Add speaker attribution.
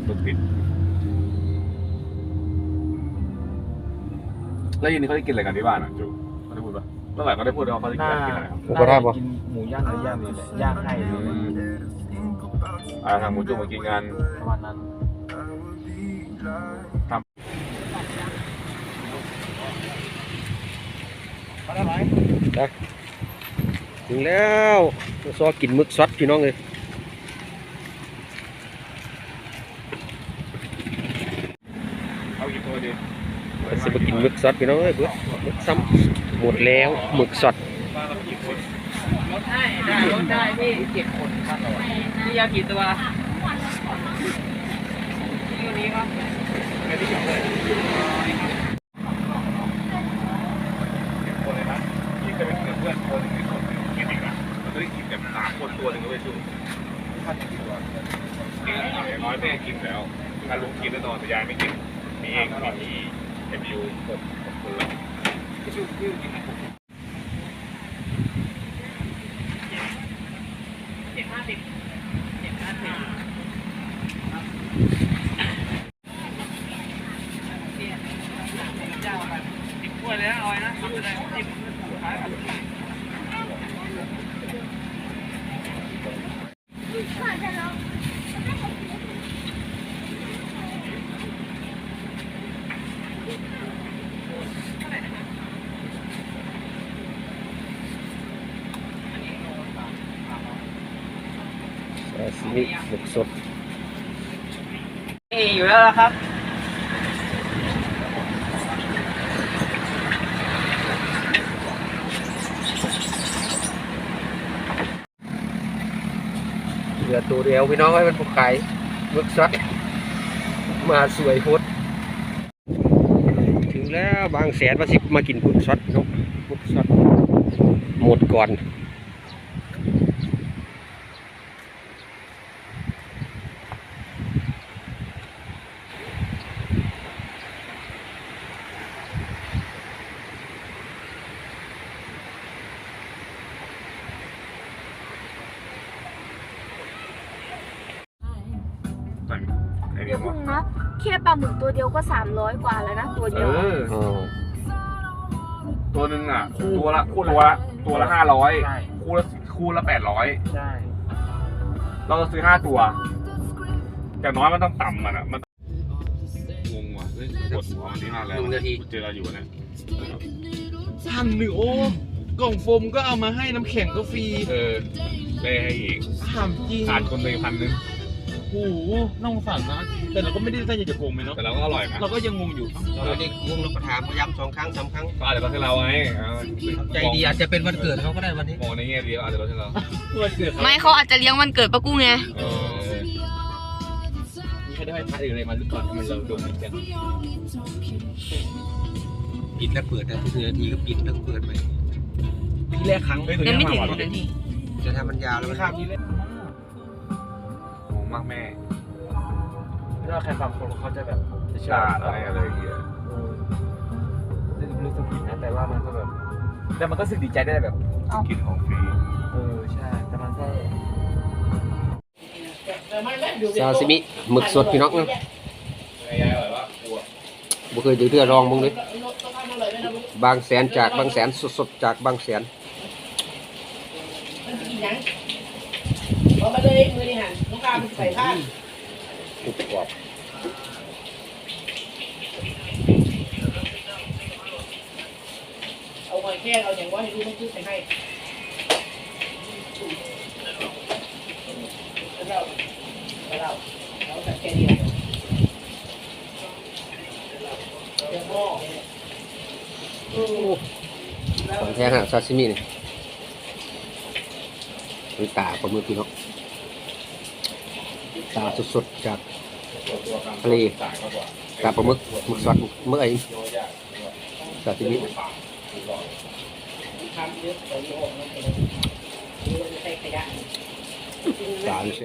Speaker 1: รถติดแล้วยินนี้เขาได้กินอะไรกันที่บ้านอ่ะจูเขาได้พูดปะเมื่อไหร่เขาได้พูดว่าเขาได้กินอะไรครับ
Speaker 2: ผมก็ได้ปะ
Speaker 3: กินหมูย่างอะไรย่างนี่แหละย่างให้เลย
Speaker 1: ทางหมูจุ่มมากินกัน
Speaker 3: ประมาณนั้น
Speaker 2: ถึงแล้วซอกินมึกซอสพี่น้องเลย
Speaker 1: เอากี่ตัวดี
Speaker 2: จะมากินมึกซอสพี่น้องเลยเพื่อมึกซ้ำหมดแล้วมึกซอส
Speaker 1: บ้านเรากี่คน
Speaker 4: ลดได้พี่7 คนครับพี่ยากี่ตัวตัวนี้ครับ
Speaker 1: ไม่ได้กี่คนคนเลยนะพี่เคยไปกินกับเพื่อนคนหนึ่งคนหนึ่งกินอีกนะมันจะได้กินแบบ3 คนตัวหนึ่งก็ไปจูถ้าจะกินตัวอย่างน้อยแม่กินแล้วถ้าลุงกินแน่นอนแต่ยายไม่กินมีเองมีเอ็มยู6 คนละพี่จูพี่กินนะ
Speaker 4: ถ้วยเลยนะออยนะทำอะไรจิ้มขายแบบ
Speaker 2: ซาซิมิมึกสด
Speaker 4: นี่อยู่แล้วครับ
Speaker 2: เหลือตัวเดียวพี่น้องให้มันผูกไก่มึกซอสมาสวยโคตรถึงแล้วบางแสนว่าสิมากินมึกซอสเนาะมึกซอสหมดก่อน
Speaker 5: เดี๋ยวพึ่งนะแค่ปลาหมึกตัวเดียวก็300 กว่าแล้วนะตัวเดียว
Speaker 2: อ๋อ
Speaker 1: ตัวหนึ่งอ่ะตัวละ500คู่ละ800
Speaker 3: ใช่
Speaker 1: เราจะซื้อ5 ตัวแต่น้อยมันต้องต่ำมันอ่ะมันงงว่ะปวดหัวมันที่มากแล้วเจอเราอยู่เนี่ย
Speaker 3: 1,000โอ้กล่องโฟมก็เอามาให้น้ำแข็งก็ฟรี
Speaker 1: เล่ให้อีก
Speaker 3: ถามจริง
Speaker 1: ขาดคนเลย1,000
Speaker 3: โอ้โหน่าสงสารนะแต่เราก็ไม่ได้ตั้งใจจะโกงไปเนาะ
Speaker 1: แต่เราก็อร่อยนะ
Speaker 3: เราก็ยังงงอยู่
Speaker 2: เราได้วงเราประถามพยายาม2 ครั้ง 3 ครั้ง
Speaker 1: ก็อาจจะลดให้เราไง
Speaker 2: ใจดีอาจจะเป็นวันเกิดเขาก็ได้วันนี้
Speaker 1: มองในแง่ดีอาจจะลดให้เรา
Speaker 3: วันเกิด
Speaker 5: ไม่เขาอาจจะเลี้ยงวันเกิดปะกุ้งไง
Speaker 3: มีใครได้ให้พระอะไรมาหรือเปล่าทำไมเราโดนเหมือนกัน
Speaker 2: ปิดแล้วเปิดได้ทุกนาทีก็ปิดแล้วเปิดไป
Speaker 3: พี่แรกครั้ง
Speaker 5: ยังไม่ถึงนาที
Speaker 2: จะทำมันยาวแล้วมัน
Speaker 3: ข้ามพี่แรก
Speaker 1: งงมากแม่
Speaker 3: ถ้าใครฟังคนเขาจะแบบจะเชื่อ
Speaker 1: อะไรอย่างเงี้ย
Speaker 3: รู้สึกผิดนะแต่ว่ามันก็แบบแต่มันก็รู้สึกดีใจได้แบบ
Speaker 1: กินของฟรี
Speaker 3: ใช่แต่มันก็
Speaker 2: ซาซิมิหมึกสดพี่น้องนะ
Speaker 1: ยายอร่อยว่ากลัว
Speaker 2: บ่เคยเดือดลองมึงเลยบางแสนจากบางแสนสดๆจากบางแสน
Speaker 4: เอาไปเลยมือนี่หันลูกค้าใส่ผ้าก
Speaker 2: รุบกรอบ
Speaker 4: เอาหอยแครงเอาอย่างว่าให้ดูมันคือใส่ให้เราใส่แค่นี้แหละเดี๋ยวพ่อ
Speaker 2: ของแท้ฮะซาซิมินี่เป็นตาปลาหมึกพี่น้องตาสดๆจากทะเลตาปลาหมึกหมึกสดเมื่อไอ้ซาซิมิ
Speaker 4: ทำเยอะกว่านี้ออกมาเป็นใส่ขยะ
Speaker 2: จาน